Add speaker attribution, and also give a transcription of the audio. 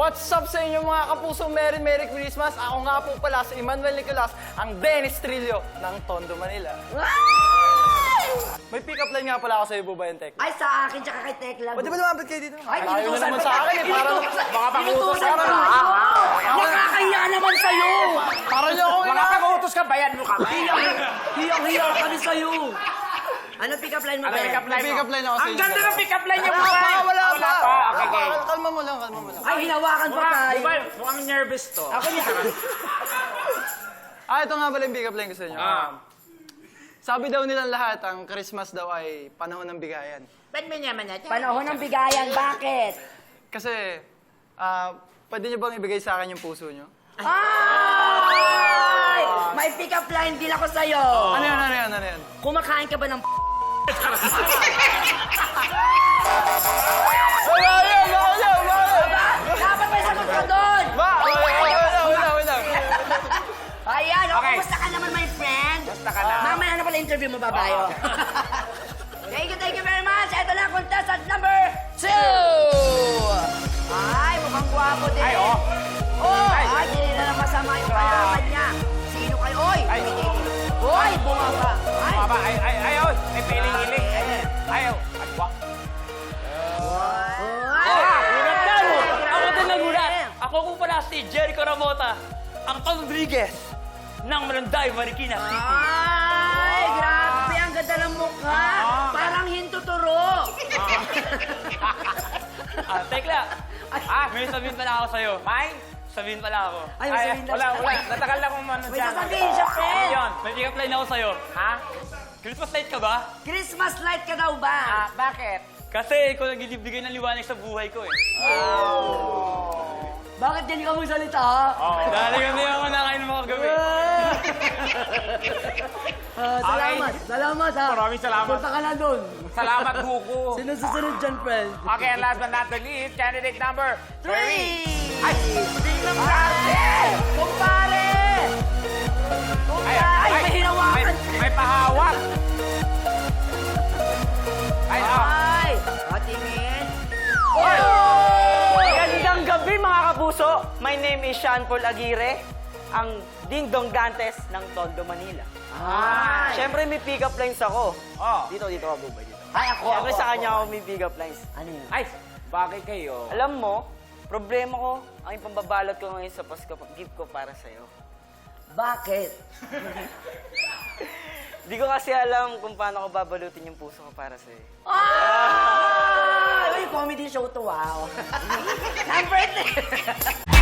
Speaker 1: What's up sa inyo mga kapuso? Merry Christmas! Ako nga po pala si Emmanuel Nicolas, ang Dennis Trillo ng Tondo, Manila. May pick-up line nga pala ako sa iyo, Bubayan Tech.
Speaker 2: Ay, sa akin, tsaka kay Tekla.
Speaker 1: Pwede ba lumapit kayo dito?
Speaker 2: Ay,
Speaker 1: Ayaw na
Speaker 2: inutusan
Speaker 1: naman
Speaker 2: pa
Speaker 1: sa akin eh. Parang
Speaker 3: Baka pag-utos ka.
Speaker 2: Nakakahiya naman sa'yo!
Speaker 1: parang niyo ako
Speaker 3: Baka pag-utos ka, bayan mo kami.
Speaker 2: Hiyang-hiya kami sa'yo! Ano pick-up line mo,
Speaker 3: Ano
Speaker 2: Ben?
Speaker 3: pick-up line mo?
Speaker 1: pick-up line ako sa
Speaker 3: Ang
Speaker 1: inyo.
Speaker 3: ganda ng pick-up line niya,
Speaker 1: Wala
Speaker 3: Bubay.
Speaker 1: pa, wala pa.
Speaker 3: Okay, okay.
Speaker 1: Kalma mo lang.
Speaker 2: Ay, hinawakan pa tayo.
Speaker 3: Bubay, mukhang nervous to.
Speaker 2: Ako niya.
Speaker 1: Ito nga pala yung pick-up line ko sa inyo. Sabi daw nilang lahat, ang Christmas daw ay panahon ng bigayan.
Speaker 3: Ba't may naman natin?
Speaker 2: Panahon ng bigayan, bakit?
Speaker 1: Kasi, pwede niyo bang ibigay sa akin yung puso niyo?
Speaker 2: Ay! May pick-up line din ako sa'yo.
Speaker 1: Ano yan?
Speaker 2: Kumakain ka ba ng
Speaker 1: Wala yan!
Speaker 2: Dapat may sagot ka doon!
Speaker 1: Wala.
Speaker 2: Ayan,
Speaker 3: Okay.
Speaker 2: kumusta ka naman, my friend?
Speaker 3: Basta ka na.
Speaker 2: Mamaya na pala interview mo, babayo. Thank you very much. Ito na, contestant number 2! Ay, mukhang gwapo din.
Speaker 3: Ay, oh.
Speaker 2: Ay, hindi na lang masama yung kalaban niya. Sino kayo? Oy!
Speaker 3: Ay.
Speaker 2: Oy, bumaba. Ay,
Speaker 3: Baba, ay, may piling-iling. Ayaw. Agwa.
Speaker 4: Ako din nagulat. Ako po pala si Jericho Ramota, ang Rodriguez ng Malanday, Marikina City.
Speaker 2: Ay, grabe. Ang ganda ng mukha. Parang hintuturo.
Speaker 4: Tekla, may sabihin pala ako sa'yo.
Speaker 3: May?
Speaker 4: Sabihin pala ako.
Speaker 2: Ay, masabihin na
Speaker 3: Wala.
Speaker 2: siya.
Speaker 3: Natagal na kung ano
Speaker 2: May
Speaker 3: dyan.
Speaker 2: sasabihin siya, friend.
Speaker 4: Ayun, may pick-up line ako sa'yo.
Speaker 3: Ha?
Speaker 4: Christmas light ka ba?
Speaker 2: Christmas light ka daw ba?
Speaker 3: Bakit?
Speaker 4: Kasi ikaw nagbibigay ng liwanag sa buhay ko eh.
Speaker 2: Bakit yan ka mong salita, ha?
Speaker 4: Dahil ganito yung nakain mo kagabi.
Speaker 2: Salamat, ha?
Speaker 3: Maraming salamat.
Speaker 2: Punta ka na doon.
Speaker 3: Salamat, Buko.
Speaker 2: Sino susunod dyan, friend?
Speaker 3: Okay, and last but not the least, candidate number 3.
Speaker 2: 3!
Speaker 3: Ay!
Speaker 2: Tingnan mo natin! Kumpare! Ay, may hinawakan!
Speaker 3: May pahawak! Ay,
Speaker 2: Ay! Patingin!
Speaker 5: Magandang gabi mga kapuso! My name is Sean Paul Aguirre, ang Ding Dong Dantes ng Tondo, Manila.
Speaker 2: Ay!
Speaker 5: Siyempre may pick-up lines ako.
Speaker 3: Oh.
Speaker 5: Dito ka bubay dito.
Speaker 2: Ay, ako!
Speaker 5: Siyempre sa kanya ako may pick-up lines.
Speaker 2: Ano yun?
Speaker 3: Ay, bagay kayo.
Speaker 5: Alam mo, problema ko, ang ipambabalot ko ngayon sa Pasko, gift ko para sa'yo.
Speaker 2: Bakit?
Speaker 5: Di ko kasi alam kung paano ko babalutin yung puso ko para sa'yo.
Speaker 2: Ay! Uy, comedy show to, wow! Number 3!